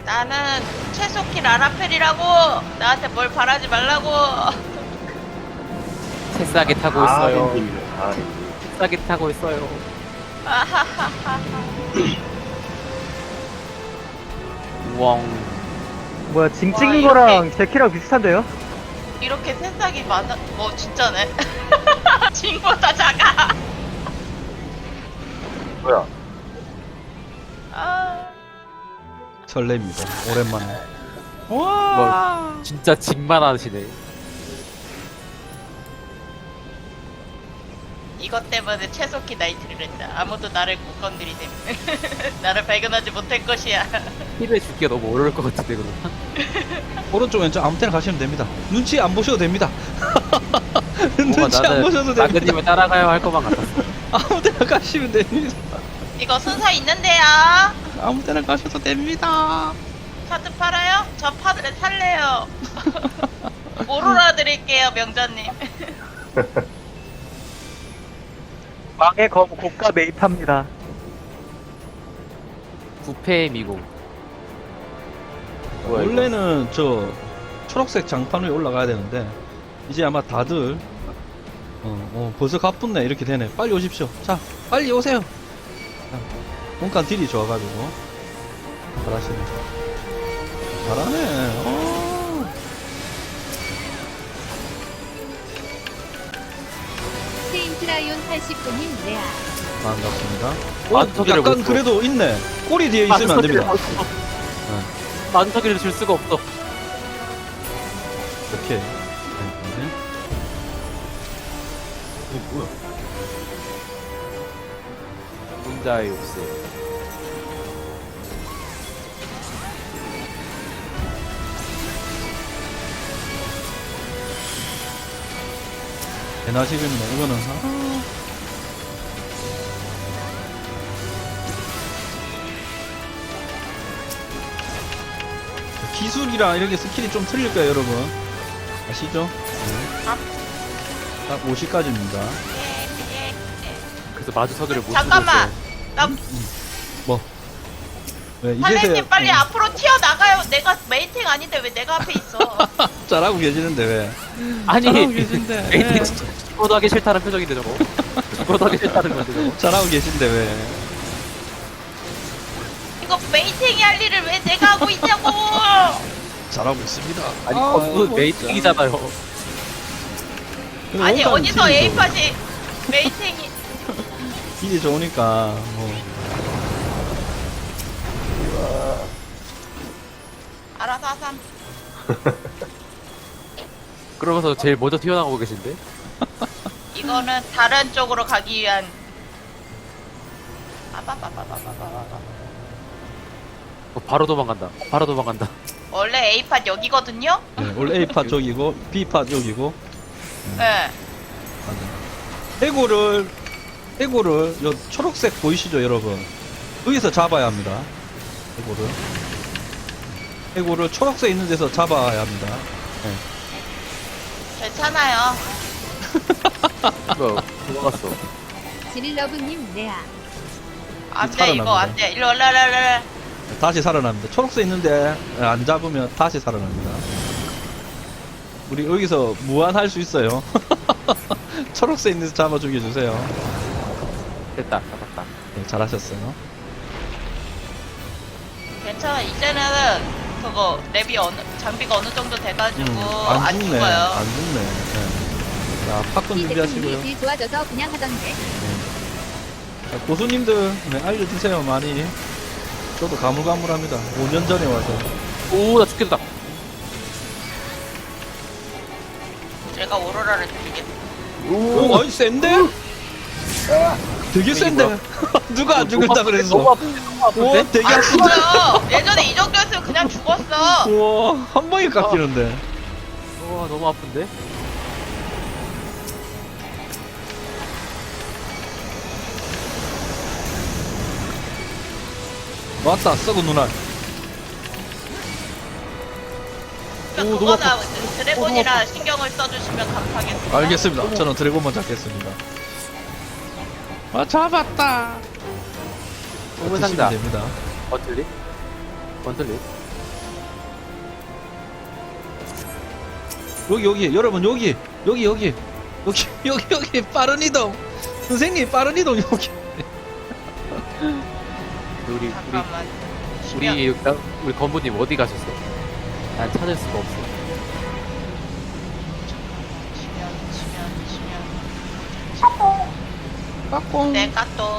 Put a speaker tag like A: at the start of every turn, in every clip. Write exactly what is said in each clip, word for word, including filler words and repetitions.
A: 나는 최소키 라라펠이라고. 나한테 뭘 바라지 말라고.
B: 새싸게 타고
C: 아,
B: 있어요.
C: 힘들네. 아,
B: 새싸게 타고 있어요.
A: 아하하하하.
B: 우엉.
D: 뭐야 징
A: 와,
D: 찍은
A: 이렇게-
D: 거랑 제 키랑 비슷한데요?
A: 이렇게 새싹이 많아. 어 진짜네. 징보다 작아.
C: 뭐야?
A: 아.
E: 설렙니다. 오랜만에.
B: 뭐 진짜 징만 하시네.
A: 이것 때문에 최소키 나이트를 했다. 아무도 나를 못 건드리셈. 나를 발견하지 못할 것이야.
B: 힐을 줄게 너무 어려울 것 같은데 그럼.
E: 오른쪽 왼쪽 아무 때나 가시면 됩니다. 눈치 안 보셔도 됩니다. 눈치
B: 뭔가
E: 안 보셔도
B: 나는
E: 됩니다.
B: 나그님을 따라가야 할 것만 같았어.
E: 아무 때나 가시면 됩니다.
A: 이거 순서 있는데요.
E: 아무 때나 가셔도 됩니다.
A: 파드 팔아요? 저 파드를 살래요. 오로라 드릴게요, 명자님.
D: 망의 검 고가 매입합니다.
B: 부패의 미국. 뭐야, 이거?
E: 원래는 저 초록색 장판 위에 올라가야 되는데 이제 아마 다들 어, 어 벌써 가뿐네 이렇게 되네. 빨리 오십시오. 자, 빨리 오세요. 자, 본관 딜이 좋아가지고 잘하시네. 잘하네. 어.
F: 세인트라이온 팔십 분님 레아.
E: 반갑습니다.
B: 아,
E: 어,
B: 저기를
E: 약간
B: 못 줘.
E: 그래도 있네. 꼬리 뒤에 있으면 안 됩니다.
B: 만석이를 줄 수가 없어.
E: 이렇게. 네.
C: 이거 뭐야?
B: 혼자의 욕심.
E: 대나시겠네. 이거는 아. 기술이랑 이렇게 스킬이 좀 틀릴 거예요, 여러분. 아시죠? 네. 딱 오십까지입니다.
A: 예, 예.
B: 그래서 마주서기를 못
A: 잠깐만. 나
E: 뭐? 네,
A: 팔레님
E: 이제서야
A: 빨리
E: 음,
A: 앞으로 튀어나가요. 내가 메이팅 아닌데 왜 내가 앞에 있어.
E: 잘하고 계시는데 왜?
B: 아니
E: 잘하고 계신데.
B: 에이티 진짜 죽어도 하기 싫다는 표정인데 저거. 죽어도 하기 싫다는 건데 저거.
E: 잘하고 계신데 왜?
A: 이거 메이팅이 할 일을 왜 내가 하고 있냐고.
E: 잘하고 있습니다.
B: 아니
E: 아,
B: 그건
E: 뭐
B: 메이팅이잖아요.
E: 진짜.
A: 아니
E: 원단
A: 어디서
E: 딜이
A: A팟이 메이팅이.
E: 좋- 딜이 좋으니까 뭐.
A: 알아서 하삼.
B: 그러면서 제일 먼저 튀어나오고 계신데?
A: 이거는 다른 쪽으로 가기 위한. 아바바바바바바바.
B: 어, 바로 도망간다. 바로 도망간다.
A: 원래 A팟 여기거든요.
E: 네, 원래 A팟 저기고 B팟 여기고.
A: 네.
E: 해골을 해골을 요 초록색 보이시죠, 여러분? 여기서 잡아야 합니다. 해골을 해골을 초록색 있는 데서 잡아야 합니다. 네.
A: 괜찮아요.
B: 뭐야 도망갔어.
F: 지닐러브님 레아.
A: 안돼 이거
E: 살아납니다.
A: 안돼. 일로 올라 올라 올라.
E: 다시 살아납니다. 초록색 있는데 안 잡으면 다시 살아납니다. 우리 여기서 무한할 수 있어요. 초록색 있는 데서 잡아 죽여주세요.
B: 됐다. 잡았다.
E: 네, 잘하셨어요.
A: 괜찮아. 이제는 그거 랩이 어느 장비가 어느 정도 돼가지고
E: 음,
A: 안,
E: 안 죽네.
A: 죽어요.
E: 안 죽네. 네. 자, 팝콘 준비하시고요.
F: 딜 좋아져서 그냥 하던데.
E: 자, 고수님들 네, 알려주세요. 많이. 저도 가물가물합니다. 오 년 전에 와서.
B: 오나 죽겠다.
A: 제가 오로라를 드리겠습니다.
E: 오, 아니 센데? 되게 센데? 누가 안 죽는다
B: 너무
E: 그랬어?
B: 아픈데? 너무 아픈데?
E: 오, 되게
A: 안
E: 아픈데?
A: 죽어요. 예전에 이 정도였으면 그냥 죽었어.
E: 우와, 한 방에 깎이는데.
B: 와 너무 아픈데?
E: 왔다, 썩은 누나.
A: 그러니까
E: 오, 너무
A: 그거나 드래곤이라 신경을 써주시면 감사하겠습니다.
E: 알겠습니다. 저는 드래곤만 잡겠습니다. 아, 잡았다.
B: 오문 상자.
E: 됩니다.
B: 번틀리? 번틀리?
E: 여기 여기 여러분 여기 여기 여기 여기 여기 여기 빠른 이동 선생님 빠른 이동 여기
B: 우리 우리
A: 잠깐만. 쉬면.
B: 우리 우리, 우리 건부님 어디 가셨어? 난 찾을 수가 없어.
A: 치면 치면 치면.
E: 까꿍
A: 네 까똑.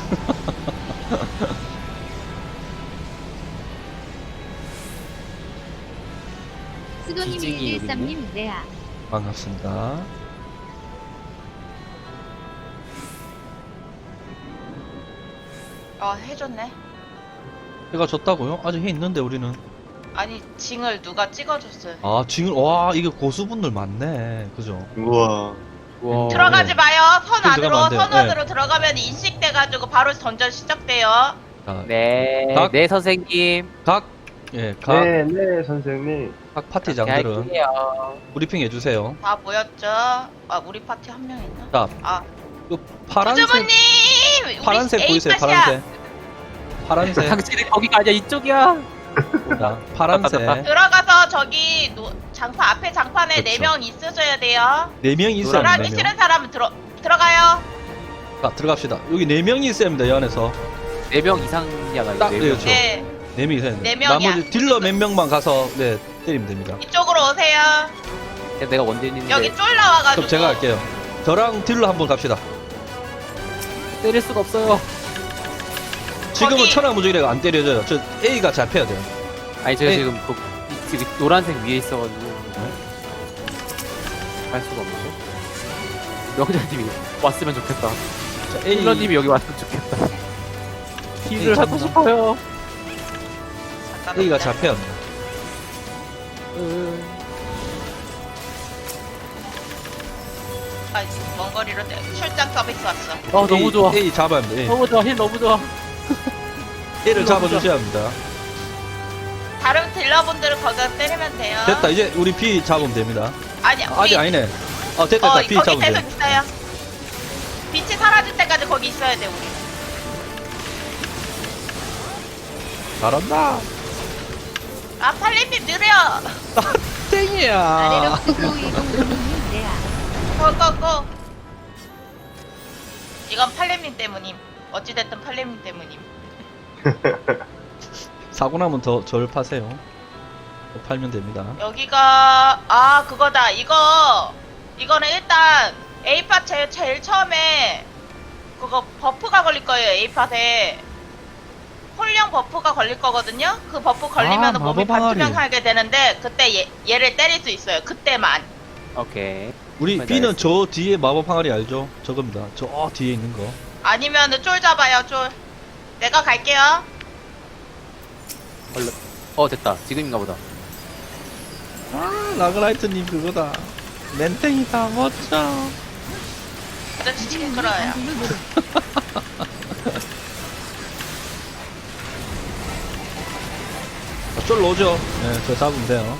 F: 수도님
B: 기증이
F: 일일삼님 레아.
E: 반갑습니다.
A: 어 해줬네.
E: 해가 졌다고요? 아직 해 있는데 우리는.
A: 아니 징을 누가 찍어줬어요.
E: 아 지금 와 이게 고수분들 많네. 그죠?
C: 우와.
B: 와.
A: 들어가지
E: 네.
A: 마요. 선
E: 들어가면
A: 안으로
E: 안 돼요.
A: 선
E: 네.
A: 안으로 들어가면 인식돼가지고 바로 전전 시작돼요.
E: 자,
B: 네,
E: 각-
B: 네 선생님.
E: 각 예, 각,
C: 네, 네, 선생님.
E: 각 파티장들은
B: 할게요.
E: 브리핑 해주세요.
A: 다 모였죠? 아 우리 파티 한 명 있나?
E: 자,
A: 아
E: 그 파란색
A: 부주부님! 우리
E: 파란색 보이세요?
A: 에이팟이야.
E: 파란색. 파란색.
B: 당신이 거기가 아니야 이쪽이야.
E: 자, 파란색.
A: 들어가서 저기 노, 장판 앞에 장판에
E: 그렇죠.
A: 네 명 있으셔야 돼요.
E: 네 명이 있어야
A: 들어가기
E: 합니다.
A: 싫은 사람은 들어 들어가요.
E: 자, 들어갑시다. 여기 네 명이 있어야 합니다. 이 안에서.
B: 네 명 이상이야.
E: 딱
B: 네
E: 네,
B: 명.
E: 그렇죠.
A: 네
E: 네 명이 있어야 됩니다.
A: 네 명이야.
E: 나머지 딜러 몇 명만 가서 네 때리면 됩니다.
A: 이쪽으로 오세요.
B: 내가 원딜인데
A: 여기 쫄 나와가지고.
E: 그럼 제가 할게요. 저랑 딜러 한번 갑시다.
B: 때릴 수가 없어요.
E: 지금은
A: 거기-
E: 천하무적이라 안 때려져요. 저 A가 잡혀야 돼요.
B: 아니 제가
E: 네.
B: 지금 그 이- 지금 노란색 위에 있어가지고 할 수가 없는데. 명자님이 왔으면 좋겠다.
E: 자, A
B: 힐러님이 여기 왔으면 좋겠다.
E: 에이,
B: 힐을 하고
E: 잠깐만.
B: 싶어요.
A: 잠깐만
E: A가
A: 기다려.
E: 잡혀야 합니다.
A: 아, 먼 거리로 때- 출장 서비스 왔어.
B: 아 너무 좋아.
E: A 잡아야 합니다. A.
B: 너무 좋아. 힐 너무 좋아.
E: A를
B: 너무
E: 잡아주셔야 합니다.
A: 다른 딜러분들은 거기서 때리면 돼요.
E: 됐다. 이제 우리 B 잡으면 됩니다.
A: 아니,
E: 아, 아직
A: 우리-
E: 아니네. 아, 됐다.
A: 어,
E: 됐다. B
A: 거기
E: 잡으면
A: 계속
E: 돼.
A: 있어요. 빛이 사라질 때까지 거기 있어야 돼, 우리.
E: 잘한다.
A: 아, 팔림님 느려.
E: 땡이야.
F: 아래로 쓰고 이동님 레아.
A: 고고고. 이건 팔림님 때문임. 어찌됐든 팔림님 때문임.
E: 사고 나면 더 절 파세요. 더 팔면 됩니다.
A: 여기가 아 그거다. 이거 이거는 일단 A팟 제일, 제일 처음에 그거 버프가 걸릴 거예요. A팟에 홀령 버프가 걸릴 거거든요. 그 버프 걸리면
E: 아,
A: 몸이
E: 마법 항아리.
A: 반투명하게 되는데 그때 얘, 얘를 때릴 수 있어요. 그때만.
B: 오케이.
E: 우리
B: 정말
E: B는
B: 잘했어.
E: 저 뒤에 마법 항아리 알죠? 저겁니다. 저 뒤에 있는 거.
A: 아니면은 쫄 잡아요. 쫄. 내가 갈게요.
B: 얼른. 어 됐다. 지금인가 보다.
E: 아, 라그라이트님 그거다. 멘탱이다. 멋져.
A: 저 지치게 끌어요.
E: 아, 쫄 오죠? 네, 저 잡으면 돼요.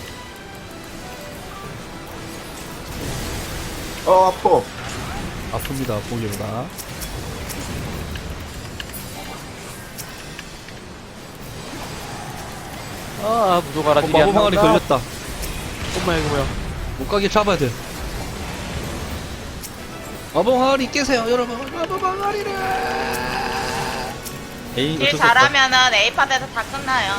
C: 어, 아파.
E: 아픕니다. 보기보다.
B: 아 무도가라.
E: 어, 마법 항아리 걸렸다.
B: 엄마 이거 뭐야?
E: 못 가게 잡아야 돼. 마법 항아리 깨세요, 여러분. 마법 항아리를. 에이,
A: 딜
E: 어쩔 수 없다.
A: 잘하면은 A팟에서 다 끝나요.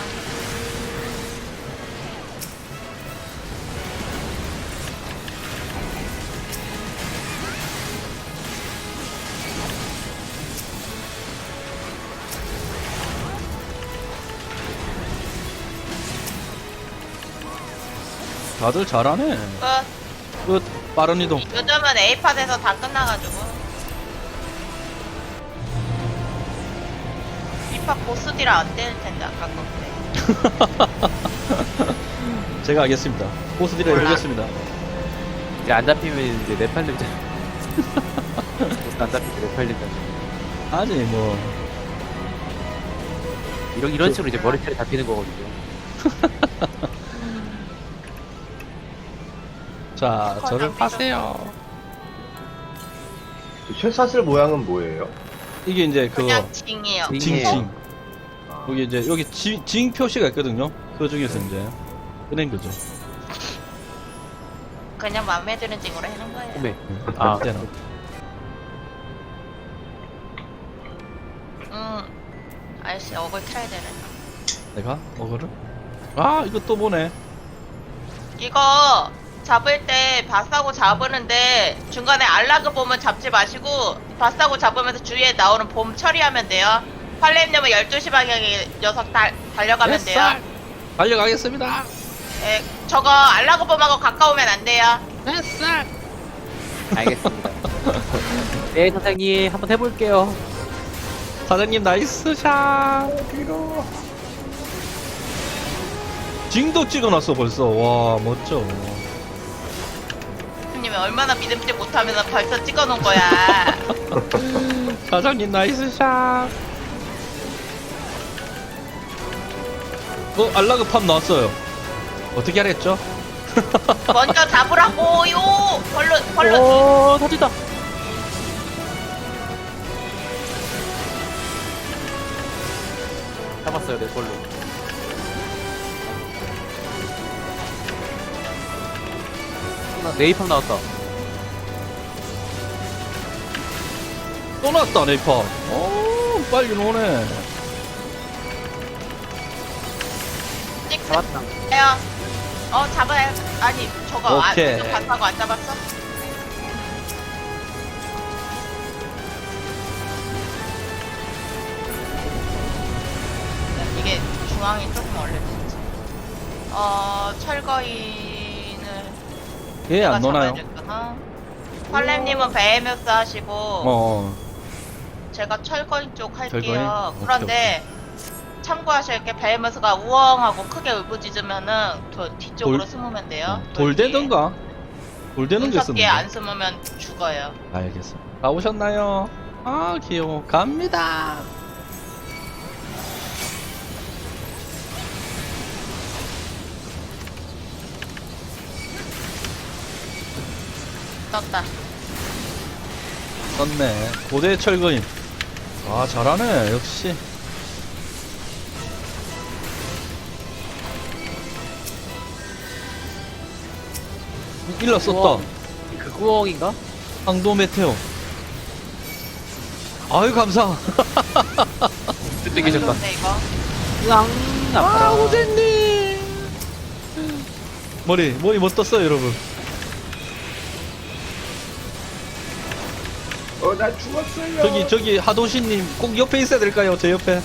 E: 다들 잘하네.
A: 끝.
E: 끝. 빠른 이동.
A: 요즘은 A팟에서 다 끝나가지고. B팟 보스디라 안 때릴 텐데 아까 건데.
E: 제가 알겠습니다. 보스딜을
A: 몰라.
E: 해보겠습니다.
B: 이제 안 잡히면 이제 내 팔림자. 안 잡히면 내 팔림자.
E: 아니, 뭐.
B: 이런 이런 식으로 이제 머리털이 잡히는 거거든요.
E: 자, 저를 파세요.
C: 쇠사슬 모양은 뭐예요?
E: 이게 이제 그거,
A: 그냥 징이에요.
B: 징.
E: 징징. 여기 이제, 여기 지, 징 표시가 있거든요. 그 중에서 이제, 꺼낸 거죠.
A: 그냥 마음에 드는 징으로 해놓은 거예요.
B: 오메.
E: 아,
B: 아,
E: 때는.
A: 음, 아저씨 어글 틀어야 되네.
E: 내가 어그를? 아, 이거 또 보네.
A: 이거 잡을 때 바싸고 잡으는데 중간에 알라그 봄은 잡지 마시고 바싸고 잡으면서 주위에 나오는 봄 처리하면 돼요. 팔렘님은 열두 시 방향에 녀석 달, 달려가면 돼요.
E: 뱃살! 달려가겠습니다.
A: 예, 저거 알라그 봄하고 가까우면 안 돼요.
B: 알겠습니다. 네, 선생님. 한번 해볼게요.
E: 사장님 나이스 샷. 징도 찍어놨어 벌써. 와 멋져.
A: 님이 얼마나 믿음직 못하면서 벌써 찍어놓은 거야.
E: 사장님 나이스 샷. 어 알라그 팝 나왔어요. 어떻게 하랬죠?
A: 먼저 잡으라고요. 벌로 벌로.
B: 오, 터진다. 잡았어요, 내 걸로. 네이팜 나왔다.
E: 또 나왔다 네이파. 오 빨리 노네.
A: 찍
B: 잡았다.
A: 요 어 잡아야 아니 저거 안
E: 오케이.
A: 지금 봤다고 안 잡았어? 이게 중앙이 조금 얼렸지. 어 철거인을
E: 얘
A: 내가
E: 안 노나요?
A: 잡아야 되구나. 팔렘님은 베헤메스 하시고
E: 어.
A: 제가 철거인 쪽 할게요.
E: 철거인?
A: 그런데 참고하실 게 베헤메스가 우엉하고 크게 울부짖으면은 저 뒤쪽으로
E: 돌-
A: 숨으면 돼요.
E: 어, 돌대던가? 돌대는 게
A: 문석기에
E: 있었는데.
A: 안 숨으면 죽어요.
E: 알겠어. 다 오셨나요? 아 귀여워. 갑니다.
A: 떴다.
E: 떴네. 고대 철거인. 아 잘하네 역시. 일러 썼다.
B: 우와. 그 구멍인가?
E: 황도 메테오. 아유 감사.
B: 그때 계셨다.
A: 근데 이거
B: 으앙,
E: 아
B: 아파라.
E: 호재님. 머리 머리 못 떴어요 여러분.
C: 어, 나 죽었어요.
E: 저기 저기 하도시님 꼭 옆에 있어야 될까요? 제 옆에.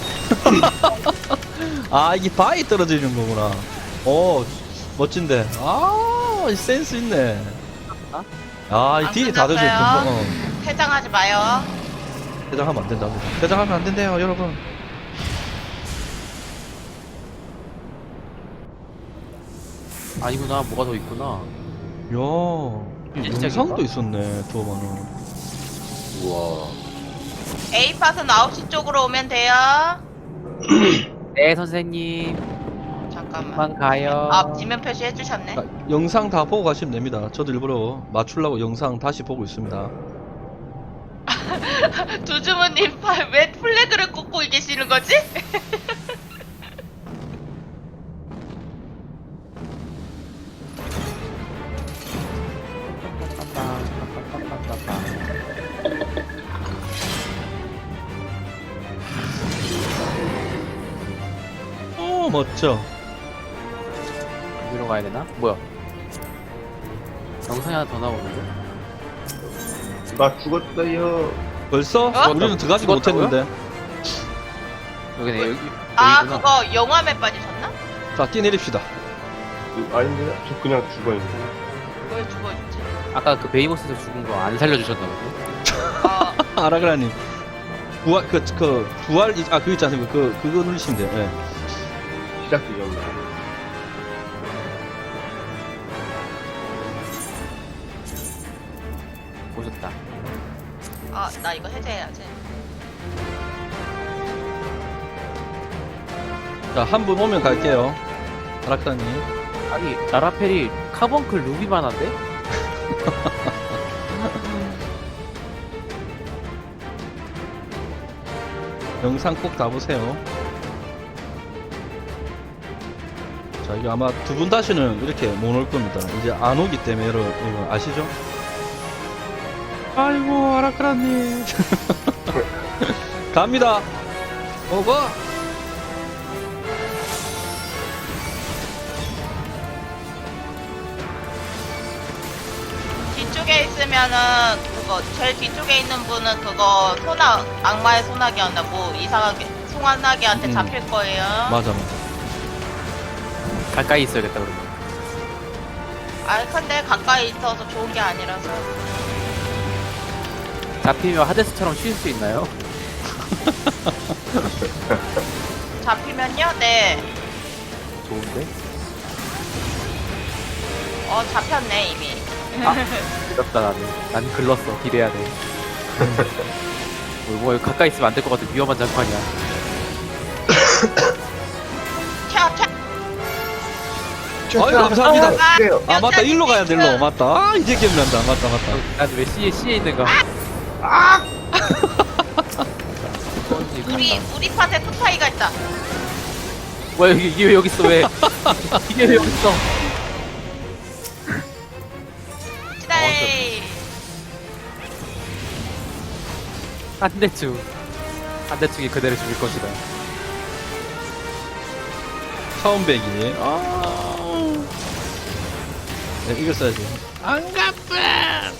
E: 아 이게 바위 떨어지는 거구나. 오 멋진데. 아 센스 있네. 아이
A: 안
E: 딜이 다들 좀
A: 끝났어요?
E: 금방. 어.
A: 퇴장하지 마요.
E: 퇴장하면 안 된다고. 퇴장하면 안 된대요 여러분.
B: 아니구나, 뭐가 더 있구나.
E: 야 이
B: 진짜
E: 영상도 있었네 두어만은.
C: 우와.
A: A팟은 아홉 시 쪽으로 오면 돼요.
B: 네, 선생님.
A: 잠깐만.
B: 그만 가요.
A: 아, 지면 표시 해주셨네.
E: 아, 영상 다 보고 가시면 됩니다. 저도 일부러 맞추려고 영상 다시 보고 있습니다.
A: 두주무님 팔 왜 플래그를 꽂고 계시는 거지?
E: 오 멋져.
B: 여기로 가야 되나? 뭐야? 영상이 하나 더 나오는데?
C: 나 죽었어요.
E: 벌써?
A: 어?
E: 우리는 들어가지
B: 죽었다고요?
E: 못했는데.
B: 여기네, 여기.
A: 아,
B: 여기구나.
A: 그거 영화에 빠지셨나?
E: 자 뛰내립시다.
C: 그, 아닌데? 저 그냥 죽어있네.
A: 뭘 죽어있지?
B: 아까 그 베이모스에서 죽은 거 안 살려주셨나 보네?
A: 어,
E: 아라그라님. 부활 그 그 부활 이- 아 그거 있지 않습니까? 그 그거 누르시면 돼요. 예.
C: 시작 지점이야.
B: 오셨다.
A: 아, 나 이거 해제해야지.
E: 자 한 분 오면 갈게요. 아라크라님.
B: 아니, 나라펠이 카본클 루비만 한데?
E: 영상 꼭 다 보세요. 자, 이거 아마 두 분 다시는 이렇게 못 올 겁니다. 이제 안 오기 때문에 여러분, 이거 아시죠? 아이고, 아라크라님. 갑니다. 오고!
A: 뒤쪽에 있으면은 그거 제일 뒤쪽에 있는 분은 그거 소나 악마의 소나기였나 뭐 이상하게 송환나기한테
E: 음.
A: 잡힐 거예요.
E: 맞아, 맞아.
B: 가까이 있어야겠다 그러면.
A: 아 근데 가까이 있어서 좋은 게 아니라서.
B: 잡히면 하데스처럼 쉴 수 있나요?
A: 잡히면요? 네.
B: 좋은데?
A: 어 잡혔네 이미.
B: 글렀다 나는. 난 글렀어. 기대해야 돼. 뭐, 뭐 가까이 있으면 안 될 것 같은 위험한 장판이야.
A: 튀어 튀어.
E: 아유, 감사합니다.
A: 아,
E: 아, 맞다. 일로 가야 돼, 일로. 맞다. 아, 이제 기억난다. 맞다, 맞다.
B: 난 왜 C에 C에 있는가?
A: 우리 우리 팟에 투파이가 있다.
B: 뭐야 여기 이게 왜 여기 있어 왜? 이게 왜 여기 있어?
A: 시다이.
B: 한대충 한대충이 그대로 죽일 것이다.
E: 처음 배기. 아. 네, 이거 써야지. 안 갚아!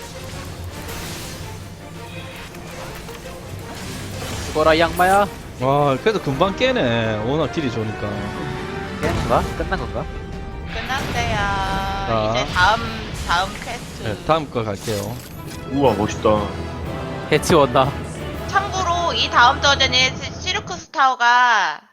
B: 죽어라 이 양마야.
E: 와, 그래도 금방 깨네. 워낙 딜이 좋으니까.
B: 깨는 건가? 끝난 건가?
A: 끝났어요.
E: 자.
A: 이제 다음 다음 퀘스트.
E: 네, 다음 거 갈게요.
C: 우와, 멋있다.
B: 해치웠나?
A: 참고로 이 다음 저전에 시르크스 타워가